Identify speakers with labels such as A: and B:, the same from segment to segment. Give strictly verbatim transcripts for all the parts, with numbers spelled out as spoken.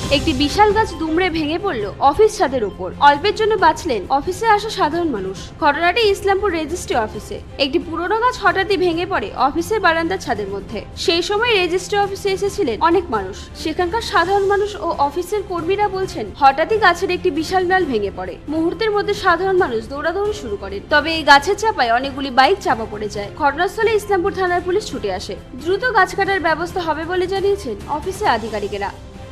A: একটি বিশাল গাছ দুমড়ে ভেঙে পড়ল অফিস ছাদের উপর। অল্পের জন্য বাঁচলেন অফিসে আসা সাধারণ মানুষ। ঘটনাটি ইসলামপুর রেজিস্ট্রি অফিসে। একটি পুরনো গাছ হঠাৎই ভেঙে পড়ে অফিসের বারান্দার ছাদের মধ্যে। সেই সময় রেজিস্ট্রি অফিসে এসেছিলেন অনেক মানুষ। সেখানকার সাধারণ মানুষ ও অফিসের কর্মীরা বলছেন, হঠাৎই গাছের একটি বিশাল ডাল ভেঙে পড়ে। মুহূর্তের মধ্যে সাধারণ মানুষ দৌড়াদৌড়ি শুরু করেন। তবে এই গাছের চাপায় অনেকগুলি বাইক চাপা পড়ে যায়। ঘটনাস্থলে ইসলামপুর থানার পুলিশ ছুটে আসে। দ্রুত গাছ কাটার ব্যবস্থা হবে বলে জানিয়েছেন অফিসের আধিকারিকেরা।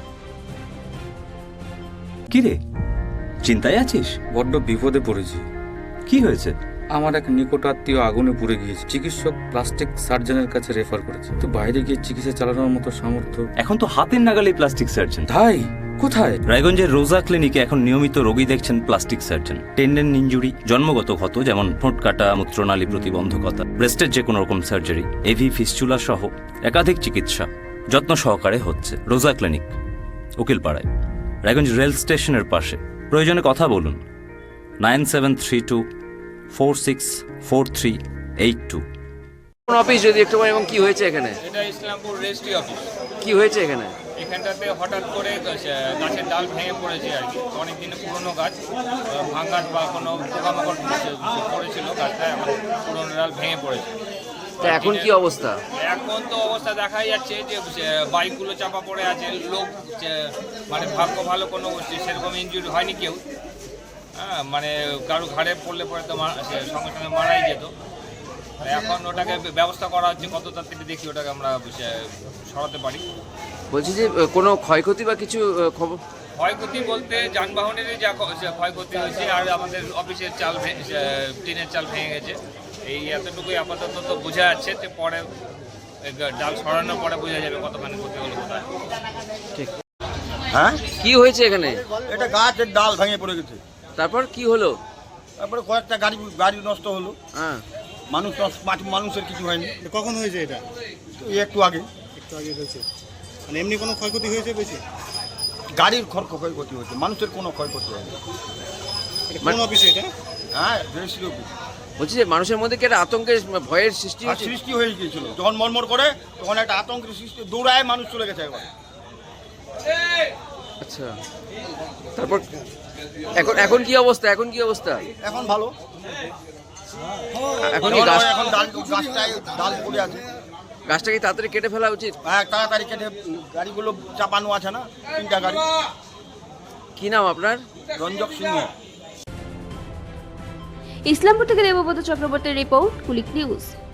B: কিরে, চিন্তায় আছিস?
C: বড্ড বিপদে পড়েছি।
B: কি হয়েছে?
C: আমার এক নিকট আত্মীয় আগুনে পুড়ে গিয়েছে। চিকিৎসক প্লাস্টিক সার্জনের কাছে রেফার করেছে, তো বাইরে গিয়ে চিকিৎসা চালানোর মতো সামর্থ্য।
B: এখন তো হাতের নাগালে প্লাস্টিক সার্জন।
C: ভাই কোথায়?
B: রায়গঞ্জের রোজা ক্লিনিকে এখন নিয়মিত রোগী দেখছেন প্লাস্টিক সার্জন। টেন্ডেন ইনজুরি, জন্মগত ক্ষত যেমন ঠোঁট কাটা, মূত্রনালী প্রতিবন্ধকতা, ব্রেস্টের যে কোনো রকম সার্জারি, এভি ফিস্চুলা সহ একাধিক চিকিৎসা যত্ন সহকারে হচ্ছে রোজা ক্লিনিক, উকিলপাড়ায়, রায়গঞ্জ রেল স্টেশনের পাশে। প্রয়োজনে কথা বলুন nine seven three two four six four three eight two.
D: Office যদি একটু এবং কি হয়েছে এখানে?
E: এটা ইসলামপুর রেজিস্ট্রি অফিস।
D: কি হয়েছে এখানে?
E: এখানটাতে হঠাৎ করে গাছের ডাল ভেঙে পড়েছে আর কি। অনেক দিনের পুরনো গাছ, ভাঙার বা কোনো পোকামাকড় পড়েছিল গাছটা, এখন পুরনো ডাল ভেঙে পড়েছে।
D: তা এখন কি অবস্থা?
E: এখন তো অবস্থা দেখাই যাচ্ছে যে বাইকগুলো চাপা পড়ে আছে। লোক মানে ভাগ্য ভালো, কোনো সেরকম ইনজুরি হয়নি কেউ। হ্যাঁ, মানে কারো ঘাড়ে পড়লে পরে তো সঙ্গে সঙ্গে মারাই যেত। এখন ওটাকে ব্যবস্থা করা হচ্ছে, কত তাড়াতাড়ি দেখি ওটাকে আমরা সরাতে পারি।
D: বলছি যে কোনো ক্ষয়ক্ষতি বা কিছু খবর?
E: ক্ষয়ক্ষতি বলতে যানবাহনেরই যা ক্ষয়ক্ষতি হয়েছে, আর আমাদের অফিসের চাল টিনের চাল ভেঙে গেছে। এই এতটুকুই আপাতত তো বোঝা যাচ্ছে, যে পরে ডাল সরানোর পরে বোঝা যাবে কতখানি ক্ষতি হলো কোথায়।
D: ঠিক।
F: হ্যাঁ,
D: কি হয়েছে এখানে?
F: এটা গাছের ডাল ভেঙে পড়ে গেছে।
D: তারপর কি হলো?
F: তারপরে কয়েকটা গাড়ি গাড়ি নষ্ট হলো।
D: হ্যাঁ,
F: মানুষ নষ্ট, মানুষের কিছু হয়নি।
G: কখন হয়েছে এটা?
F: এই একটু আগে।
G: একটু আগে হয়েছে। মানে এমনি কোনো ক্ষয়ক্ষতি হয়েছে বেশি?
F: গাড়ির খড় ক্ষয়ক্ষতি হয়েছে, মানুষের কোনো ক্ষয়ক্ষতি হয়নি।
G: এটা কোন অফিসে এটা?
F: হ্যাঁ, রেজিস্ট্রি অফিস।
D: বলছি যে মানুষের মধ্যে কি একটা আতঙ্কের ভয়ের সৃষ্টি
F: আর
D: হয়েছে?
F: সৃষ্টি হয়ে গিয়েছিল যখন মরমর করে, তখন একটা আতঙ্কের সৃষ্টি, দৌড়ায় মানুষ চলে গেছে একবার।
D: আচ্ছা, তারপর এখন এখন কি অবস্থা? এখন কি অবস্থা?
F: এখন ভালো।
D: এখন কি গাছ,
F: এখন ডাল গাছটায় ডাল পড়ে আছে।
D: গাছটা কি তাড়াতাড়ি কেটে ফেলা উচিত?
F: হ্যাঁ, তাড়াতাড়ি কেটে, গাড়িগুলো চাপানো আছে না, তিনটা গাড়ি।
D: কি নাম আপনার?
F: রঞ্জক সিংহ।
A: ইসলামপুর থেকে দেবব্রত চক্রবর্তীর রিপোর্ট, কুলিক নিউজ।